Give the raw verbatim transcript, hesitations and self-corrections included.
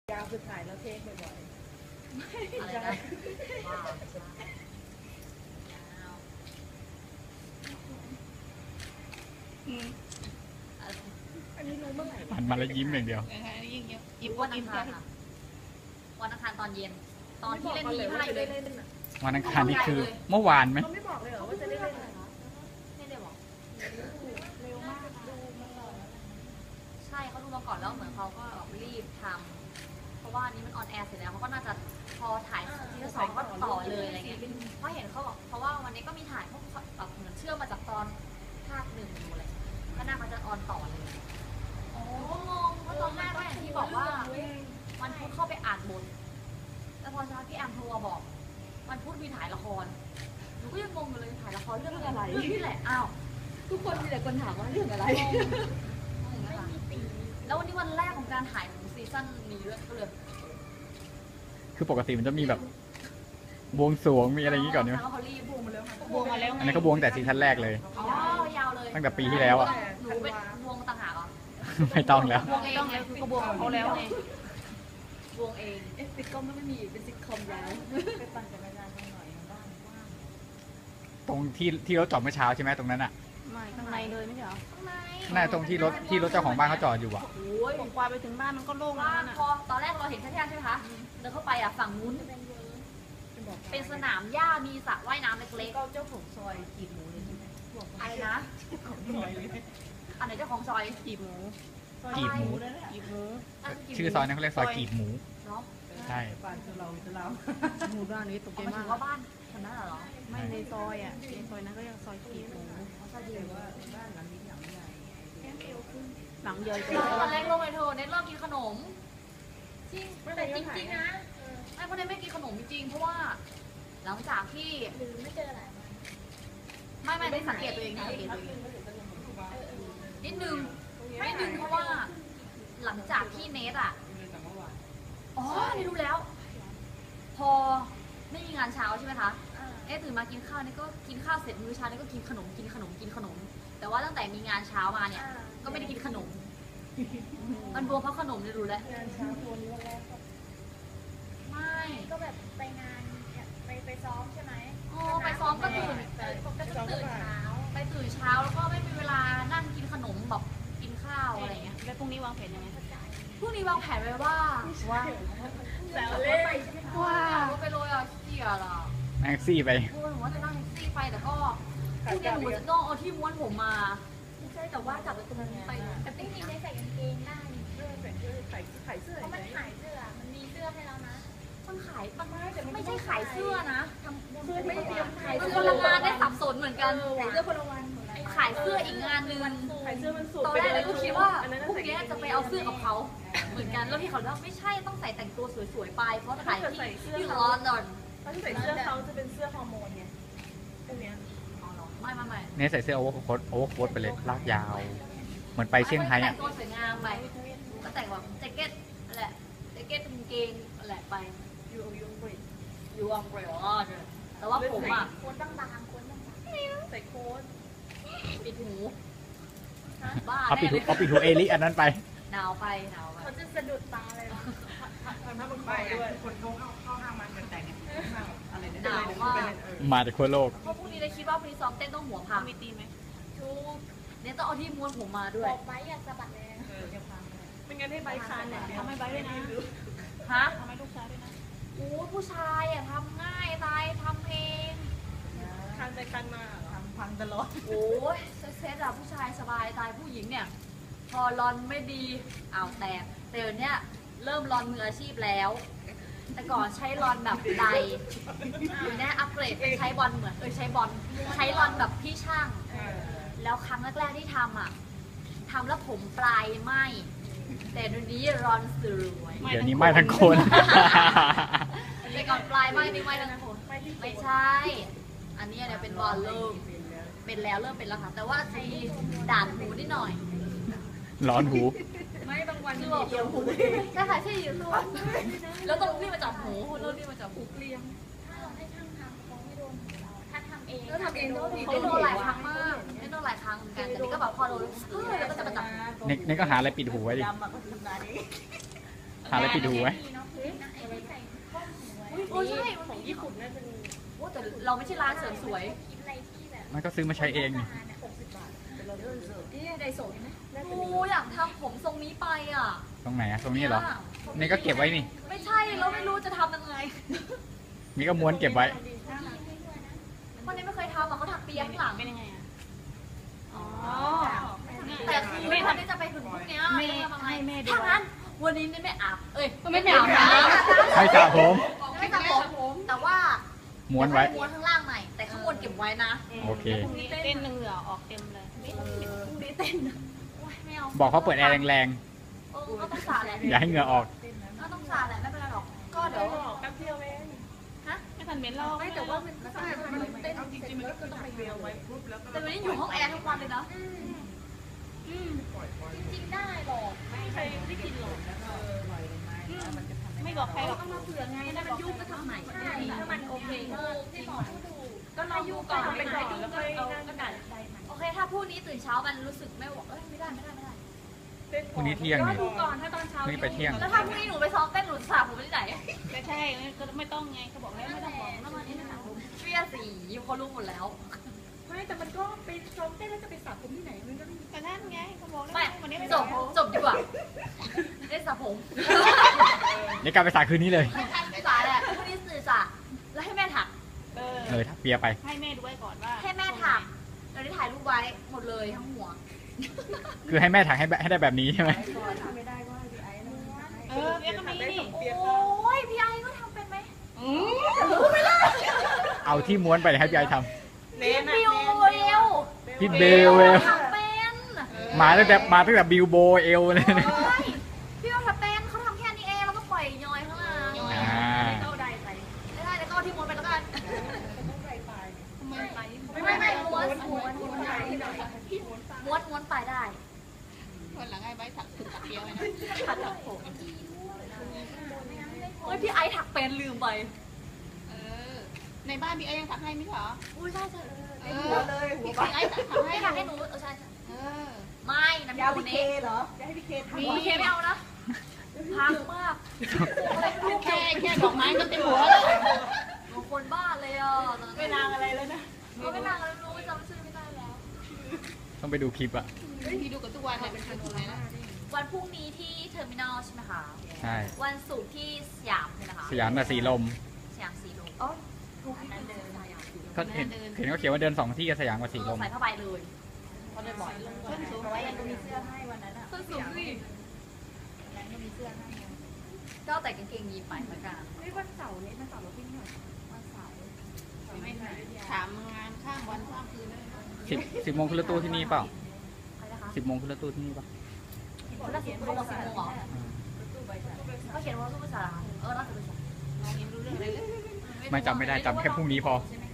ยาวคือถ่ายแล้วเทคบ่อยๆไม่อะไรนะว้าวอันนี้รู้เมื่อไหร่หันมาแล้วยิ้มอย่างเดียวยิ่งเยอะยิ้มวันอังคารค่ะวันอังคารตอนเย็นตอนที่เล่นทีไพ่เลยวันอังคารนี่คือเมื่อวานไหมเขาไม่บอกเลยเหรอว่าจะได้เล่นไม่ได้บอกเร็วมากดูมาก่อนใช่เขาดูมาก่อนแล้วเหมือนเขาก็รีบทำเพราะว่านี้มันออนแอร์เสร็จแล้วเขาก็น่าจะพอถ่ายทีละสองก็ต่อเลยอะไรเงี้ยเพราะเห็นเขาบอกเพราะว่าวันนี้ก็มีถ่ายพวกแบบเหมือนเชื่อมมาจากตอนภาคหนึ่งอยู่อะไรก็น่าเขาจะออนต่อเลยอ๋องงเพราะตอนแรกก็อย่างที่บอกว่าวันพุธเข้าไปอ่านบทแล้วพอเช้าพี่แอมโทรมาบอกวันพุธมีถ่ายละครหนูก็ยังงงอยู่เลยถ่ายละครเรื่องอะไรเรื่องนี้แหละอ้าวทุกคนมีแต่คนถามว่าเรื่องอะไรแล้ววันนี้วันแรกของการถ่ายของซีซั่นนี้ด้วยก็เลยคือปกติมันจะมีแบบบวงสรวงมีอะไรอย่างนี้ก่อนใช่ไหมเขารีบบวงมาแล้วบวงมาแล้วอันนี้ก็บวงแต่ซีซั่นแรกเลยอ๋อยาวเลยตั้งแต่ปีที่แล้วอ่ะหนูเป็นบวงต่างหากเหรอไม่ต้องแล้วบวงเองแล้วคือกระบวงของเขาแล้วไงบวงเองเอฟซิทคอมไม่มีเป็นซิทคอมยาวไปปั่นจักรยานหน่อยบ้างว่างตรงที่ที่รถจอดเมื่อเช้าใช่ไหมตรงนั้นอ่ะไม่ข้างในเลยไม่ใช่เหรอข้างในน่าตรงที่รถที่รถเจ้าของบ้านเขาจอดอยู่อ่ะโอ้ยผมกวาดไปถึงบ้านมันก็โล่งแล้วนะพอตอนแรกเราเห็นแค่แค่ใช่ไหมคะเดินเข้าไปอ่ะฝั่งนู้นเป็นสนามหญ้ามีสระว่ายน้ำเล็กๆก็เจ้าของซอยกีบหมูเลยใช่ไหมอะไรนะของซอยเลยอันไหนเจ้าของซอยกีบหมูกีบหมูกีบหมูชื่อซอยนั้นเขาเรียกซอยกีบหมูเนาะใช่บ้านเราจะเราหมู่บ้านนี้ตกใจมากว่าบ้านคนนั้นเหรอไม่ในซอยอ่ะในซอยนั้นก็เรียกซอยกีบหมูซอยกีบว่าบ้านหลังนี้หลังใหญ่หลังใหญ่ตอนแรกลงไปเธอเน็ตเริ่มกินขนมจริงแต่จริงๆนะไอ้คนนี้ไม่กินขนมจริงเพราะว่าหลังจากที่หรือไม่เจออะไรไม่ไม่ได้สังเกตตัวเองสังเกตตัวเองนิดนึงนิดนึงเพราะว่าหลังจากที่เนทอ่ะอ๋อนี่รู้แล้วพอไม่มีงานเช้าใช่ไหมคะเอ๊ะตื่นมากินข้าวนี่ก็กินข้าวเสร็จมื้อเช้านี่ก็กินขนมกินขนมกินขนมแต่ว่าตั้งแต่มีงานเช้ามาเนี่ยก็ไม่ได้กินขนมมันบวมเพราะขนมเนี่ยรู้แล้วงานเช้าตัวนี้วันแรกไม่ก็แบบไปงานไปไปซ้อมใช่ไหมอ๋อไปซ้อมก็ตื่นก็จะตื่นเช้าไปตื่นเช้าแล้วก็ไม่มีเวลานั่งกินขนมแบบกินข้าวอะไรเงี้ยแล้วพรุ่งนี้วางแผนยังไงพรุ่งนี้วางแผนไว้ว่าว่าแล้วเล่นว่าก็ไปโรยอ่ะเที่ยล่ะแท็กซี่ไปโอ้หนูว่าจะนั่งแท็กซี่ไปแต่ก็พรุ่งนี้หนูจะต้องเอาที่ม้วนผมมาไม่ใช่แต่ว่าจับไปตรงนั้นไปแต่จริงๆได้ใส่กางเกงได้เรื่องใส่เสื้อใส่ใส่เสื้อเพราะมันขายเสื้อมันมีเสื้อให้แล้วนะมันขายมันไม่ใช่ขายเสื้อนะทำเสื้อไม่เตรียมขายคนละงานได้สับสนเหมือนกันขายเสื้อคนละวันขายเสื้ออีกงานนึงขายเสื้อมันสูงตอนแรกเลยก็คิดว่าพรุ่งนี้จะไปเอาเสื้อกับเขาเหมือนกันแล้วพี่เขาบอกไม่ใช่ต้องใส่แต่งตัวสวยๆไปเพราะถ่ายที่ที่ลอนดอนเขาใส่เสื้อเขาจะเป็นเสื้อฮอร์โมนไงพวกเนี้ยไม่ไม่ไม่เนี่ยใส่เสื้อโอเวอร์โค้ทโอเวอร์โค้ทไปเลยลากยาวเหมือนไปเชียงไฮ้อ่ะแต่งตัวสวยงามไปก็แต่งแบบแจ็คเก็ตอะไรแจ็คเก็ตกางเกงอะไรไปยูยูบริยูอัมเบรลล่าแต่ว่าผมอ่ะโค้ดบางๆโค้ดบางๆใส่โค้ดปิดหูบ้าเอาปิดหูเอาปิดหูเอลิอันนั้นไปหนาวไปหนาวไปเขาจะสะดุดตาเลยนะทำหน้าบังไปด้วยคนเขาเข้าเข้าห้างมันกันแต่งอะไรเนี่ยหนาวมากมาจากทั่วโลกเพราะพรุ่งนี้ได้คิดว่าพรุ่งนี้ซ้อมเต้นต้องหัวพังมีตีไหมทุกเนี่ยต้องเอาที่ม้วนผมมาด้วยบอกไปอย่าสะบัดแรงเออจะพังไม่งั้นให้ใบคานเนี่ยทำให้ใบด้วยนะฮะทำให้ลูกชายด้วยนะโอ้ผู้ชายอ่ะทำง่ายตายทำเองคันไปคันมาทำพังตลอดโอ้ยเซ็ตอะผู้ชายสบายตายผู้หญิงเนี่ยพอรอนไม่ดีอ้าวแตกแต่เดี๋ยวนี้เริ่มรอนมืออาชีพแล้วแต่ก่อนใช้รอนแบบใดอยู่เนี่ยอัปเกรดเป็นใช้บอลเหมือนเออใช้บอลใช้รอนแบบพี่ช่างแล้วครั้งแรกๆที่ทำอ่ะทำแล้วผมปลายไหมแต่เดี๋ยวนี้รอนสวยเดี๋ยวนี้ไม่ทั้งคนแต่ก่อนปลายไหมนี่ไม่ทั้งคนไม่ใช่อันนี้เนี่ยเป็นบอลเริ่มเป็นแล้วเริ่มเป็นแล้วค่ะแต่ว่าจะมีด่านหูนิดหน่อยร้อนหูไม่บางวันที่เดียวหูใช่ค่ะใช่อยู่ตัวแล้วต้องรีบมาจับหูแล้วรีบมาจับหูเกลียงถ้าเราให้ช่างทำเขาไม่โดนเราถ้าทำเองก็ทำเองก็ดีได้โดนหลายครั้งมากได้โดนหลายครั้งเหมือนกันแต่นี่ก็แบบพอโดนเฮ้ยแล้วก็จะมาจับเน็กเน็กก็หาอะไรปิดหูไว้ดิหาอะไรไปดูไว้โอ้ใช่มันของมีญี่ปุ่นน่าจะมีโอ้แต่เราไม่ใช่ร้านเสริมสวยคิดอะไรที่แบบมันก็ซื้อมาใช้เองนี่หกสิบบาทเป็นเรานี่ไดโซะเห็นไหมน่าจะโอ้มีอยากทำผมทรงนี้ไปอ่ะตรงไหนอะตรงนี้เหรอ นี่ก็เก็บไว้นี่ไม่ใช่เราไม่รู้จะทำยังไงนี่ก็ม้วนเก็บไว้วันนี้ไม่เคยทำอ่ะเขาถักเปียข้างหลังเป็นยังไงอ่ะอ๋อแต่คือวันนี้จะไปถึงพรุ่งเนี้ยแม่ทำไงให้แม่ดูถ้างั้นวันนี้ไม่อาบเอ้ยไม่อาบน้ให้สระผมไม่สระผมแต่ว่าม้วนไว้ม้วนข้างล่างใหม่แต่ข้างบนเก็บไว้นะโอเคพรุ่งนี้เต้นเหงื่อออกเต็มเลยพรุ่งนี้เต้นโอ๊ยไม่เอาบอกเขาเปิดแอร์แรงเออก็ต้องสาแหละๆ อย่าให้เหงื่อออกก็ต้องสาแหละไม่เป็นไรหรอกก็เดี๋ยวแป๊บเดียวเองฮะไม่ทันเม้นรอไม่แต่ว่ามันก็ใช่มันเต้นเอาจริงๆมันก็คือต้องไปเรียวไว้ปุ๊บแล้วก็แต่วันนี้อยู่ห้องแอร์ทุกวันเลยนะอืมจริงๆได้หรอกไม่ใครไม่กินหรอกเออปล่อยลงมาแล้วมันจะทำให้ไม่บอกใครหรอกต้องมาเผื่อไงถ้ามันยุ่งก็ทำใหม่ได้ถ้ามันโอเคก็ที่บอกให้ดูก็รอยุ่งก่อนไปก่อนแล้วก็เอากระดาษใดใหม่โอเค ถ้าพรุ่งนี้ตื่นเช้ามันรู้สึกไม่บอกเอ้ยไม่ได้ไม่ได้ไม่ได้พรุ่งนี้เที่ยงก็นี่ดูก่อนถ้าตอนเช้าพรุ่งนี้ไปเที่ยงแล้วถ้าพรุ่งนี้หนูไปซ้อมเต้นหนูสระผมไปที่ไหนไม่ใช่ก็ไม่ต้องไงเขาบอกแล้วไม่ต้องบอกแล้วมันนี่นะเฟียสีเขารู้หมดแล้วไม่แต่มันก็ไปซ้อมเต้นแล้วจะไปสระผมที่ไหนมันก็แต่นั่นไงเขาบอกแล้วไม่วันนี้ไม่จบอบ กจบดีกว่าได้สระผมเดี๋ยวกลับไปสระคืนนี้เลยสระแหละพรุ่งนี้ตื่นสระแล้วให้แม่ถักเออเออทักเปียไปให้แม่ดูไว้ก่อนว่าให้แม่ถักเราได้ถ่ายรูปไว้หมดเลยทั้งหัวคือให้แม่ถักให้แบบให้ได้แบบนี้ใช่ไหมไม่ได้ก็ให้พี่ไอ้นะเออเอ๊ะก็มีนี่โอ้ยพี่ไอ้ก็ทำเป็นไหมอืมเอาที่ม้วนไปเลยให้พี่ไอทเน้นบิวเอวำพี่เบลเวลทำเป็นมาตั้งแต่มาตั้งแต่บิลโบเอลเลยนะใช่พี่ว่าทำเป็นเขาทำแค่นี้เองแล้วก็ปล่อยย้อยข้างล่างอ่าเข้าได้ไปไม่ได้แล้วก็เอาที่ม้วนไปแล้วกันทำไมไปไม่ไม่ไม่ม้วนม้วนม้วนม้วนม้วนไปได้วันหลังไอ้ใบถักถึงตักเดียวไว้นะถักผมเฮ้ยพี่ไอซ์ถักเป็นลืมไปเออในบ้านพี่ไอ้ยังถักให้ไม่ใช่เหรออุ้ยใช่ใช่เอหัวอเลยหัวพี่ไอ้ถักไม่ให้ถักให้หนูเออใช่ใช่เออไม่น้ำยาวมูพี่เคนี้เหรอจะให้พี่เคทำมีโอเคไม่เอานะพังมากอะไรไม่รู้แค่แค่ดอกไม้ก็เต็มหัวแล้วหนูคนบ้าเลยอ่ะไม่นางอะไรแล้วนะเขาไม่นานแล้วรู้จำชื่อไม่ได้แล้วต้องไปดูคลิปอะพี่ดูกับทุกวันเนี่ยเป็นคนไหนนะวันพรุ่งนี้ที่เทอร์มินอลใช่ไหมคะใช่วันศุกร์ที่สยามใช่ไหมคะสยามกับสีลมสยามสีลมอ๋อถูกนั้นเดินสยามสีลมก็เห็นเห็นเขาเขียนว่าเดินสองที่กับสยามกับสีลมใส่ผ้าใบเลยเขาเดินบ่อยเพิ่นสูงเพราะว่ายังมีเสื้อให้วันนั้นอ่ะส้นสูงสิยังมีเสื้อให้ก็แต่กางเกงยีนไปเหมือนกันนี่วันเสาร์นี้วันเสาร์เราพี่หน่อยวันเสาร์ไม่ถามงานข้ามวันข้ามคืนเลยสิบสิบโมงขึ้นรถตู้ที่นี่เปล่าใครนะคะสิบโมงขึ้นรถตู้ที่นี่เปล่าเขาได้สิบเขาบอกสิบโมงเหรอเขาเขียนว่าตู้ภาษาเออน่าจะเป็นสองน้องยังรู้เรื่องอะไรเลยไม่จำไม่ได้จำแค่พรุ่งนี้พอใช่ไหม